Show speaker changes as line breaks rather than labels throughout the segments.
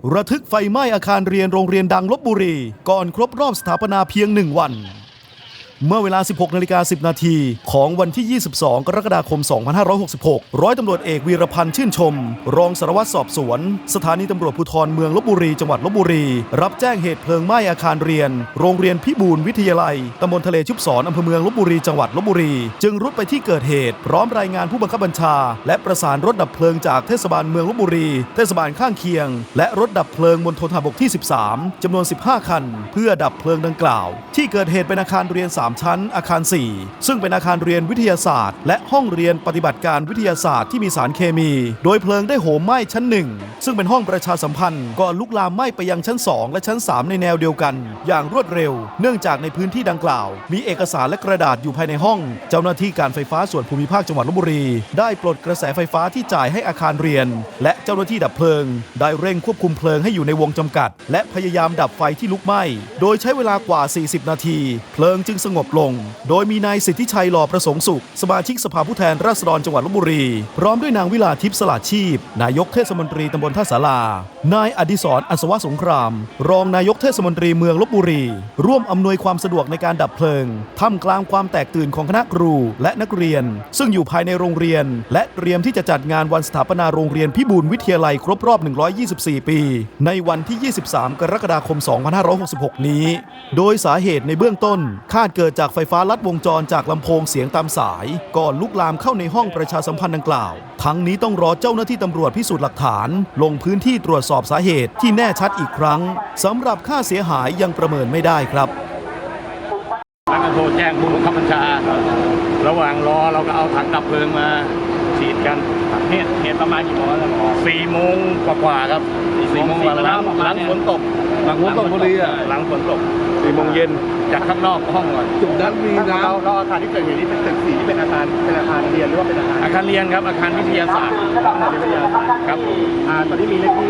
ระทึกไฟไหม้อาคารเรียนโรงเรียนดังลพบุรีก่อนครบรอบสถาปนาเพียง1 วันเมื่อเวลา 16:10 นาทีของวันที่ 22 กรกฎาคม 2566 ร้อยตำรวจเอกวีรพันธ์ชื่นชมรองสารวัตรสอบสวนสถานีตำรวจภูธรเมืองลพบุรีจังหวัดลพบุรีรับแจ้งเหตุเพลิงไหม้อาคารเรียนโรงเรียนพิบูลวิทยาลัยตำบลทะเลชุบศรอำเภอเมืองลพบุรีจังหวัดลพบุรีจึงรุดไปที่เกิดเหตุพร้อมรายงานผู้บังคับบัญชาและประสานรถดับเพลิงจากเทศบาลเมืองลพบุรีเทศบาลข้างเคียงและรถดับเพลิงมณฑลทหารบกที่ 13 จำนวน 15 คันเพื่อดับเพลิงดังกล่าวที่เกิดเหตุเป็นอาคารเรียน 3 ชั้นอาคาร4ซึ่งเป็นอาคารเรียนวิทยาศาสตร์และห้องเรียนปฏิบัติการวิทยาศาสตร์ที่มีสารเคมีโดยเพลิงได้โหมไหม้ชั้น1ซึ่งเป็นห้องประชาสัมพันธ์ก่อนลุกลามไหม้ไปยังชั้น2และชั้น3ในแนวเดียวกันอย่างรวดเร็วเนื่องจากในพื้นที่ดังกล่าวมีเอกสารและกระดาษอยู่ภายในห้องเจ้าหน้าที่การไฟฟ้าส่วนภูมิภาคจังหวัดลพบุรีได้ปลดกระแสไฟฟ้าที่จ่ายให้อาคารเรียนและเจ้าหน้าที่ดับเพลิงได้เร่งควบคุมเพลิงให้อยู่ในวงจำกัดและพยายามดับไฟที่ลุกไหม้โดยใช้เวลากว่า40 นาทีเพลิงจึงสงบลงโดยมีนายสิทธิชัยหล่อประสงค์สุขสมาชิกสภาผู้แทนราษฎรจังหวัดลพบุรีพร้อมด้วยนางวิลาทิพย์สลาดชีพนายกเทศมนตรีตำบลท่าสารานายอดิศรอัศวสงครามรองนายกเทศมนตรีเมืองลพบุรีร่วมอำนวยความสะดวกในการดับเพลิงท่ามกลางความแตกตื่นของคณะครูและนักเรียนซึ่งอยู่ภายในโรงเรียนและเตรียมที่จะจัดงานวันสถาปนาโรงเรียนพิบูลวิทยาลัยครบรอบ124 ปีในวันที่ 23 กรกฎาคม 2566 นี้โดยสาเหตุในเบื้องต้นคาดเกิดจากไฟฟ้าลัดวงจรจากลำโพงเสียงตามสายก่อนลุกลามเข้าในห้องประชาสัมพันธ์ดังกล่าวทั้งนี้ต้องรอเจ้าหน้าที่ตำรวจพิสูจน์หลักฐานลงพื้นที่ตรวจสอบสาเหตุที่แน่ชัดอีกครั้งสำหรับค่าเสียหายยังประเมินไม่ได้ครับ
แล้วก็โทรแจ้งผู้บังคับบัญชาระหว่างรอเราก็เอาถังดับเพลิงมาฉีดกันเหตุประมาณกี่โมงแล้วหรอ4 โมงกว่าๆครับ4 โมงหลังฝนตก
หลังฝนตกพอดี
หลังฝนตก4 โมงเย็นจากข้างนอกห้องก่อน
จุดนั้นมีน้ำ
เราอาคารที่เกิดเหตุนี้เป็นตึก4ที่เป็นอาคารเรียนหรือว่าเป็นอาคาร
เรียนครับอาคารวิทยาศาสตร์ครับ
ตอนนี้มีเลขที่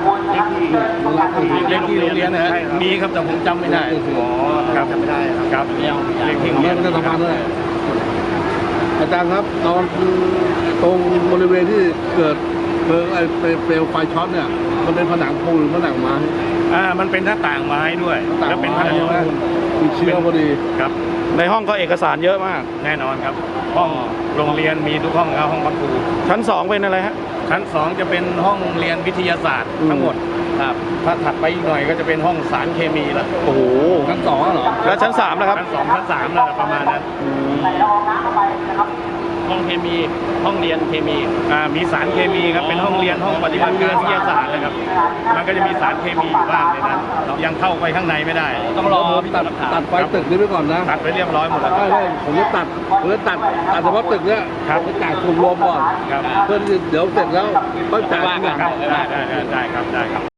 โรงเรียนนะฮะมีครับแต่ผมจำไม่ได้
ครับจำไม่ได้
ครับเลขที่
ไม่ได้ทำงานด้วยอาจารย์ครับตอนตรงบริเวณที่เกิดเพลิงเปลวไฟช็อตเนี่ยมันเป็นผนังปูนหรือผนังไม้
มันเป็นหน้าต่างไม้ด้วย
แล้ว
เป็นผนังปูน
มีเชื้อพอดี
ครับ
ในห้องก็เอกสารเยอะมาก
แน่นอนครับห้องโรงเรียนมีทุกห้องครับห้องพักครู
ชั้น2เป็นอะไรฮะ
ชั้น2จะเป็นห้องเรียนวิทยาศาสตร์ทั้งหมดครับถ้าถัดไปอีกหน่อยก็จะเป็นห้องสารเคมีแล้ว
โอ้โห
ชั้น2เหรอ
แล้วชั้น3นะครับ
ชั้น2ชั้น3แล้วประมาณนั้นห้องเคมีห้องเรียนเคมีมีสารเคมีครับเป็นห้องเรียนห้องปฏิบัติการวิทยาศาสตร์นะครับมันก็จะมีสารเคมีอยู่บ้างในนั้นยังเข้าไปข้างในไม่ได้
ต้องรอตัดไฟตึกนี้ไปก่อนนะ
ตัดไปเรียบร้อยหมดแล้ว
ใช่ผมจะตัดเฉพาะตึกเนี้ยไปจ่ายกลุ่มรวมก่อนเพื่อเดี๋ยวเสร็จแล้วก็จ่าย
ได้ครับ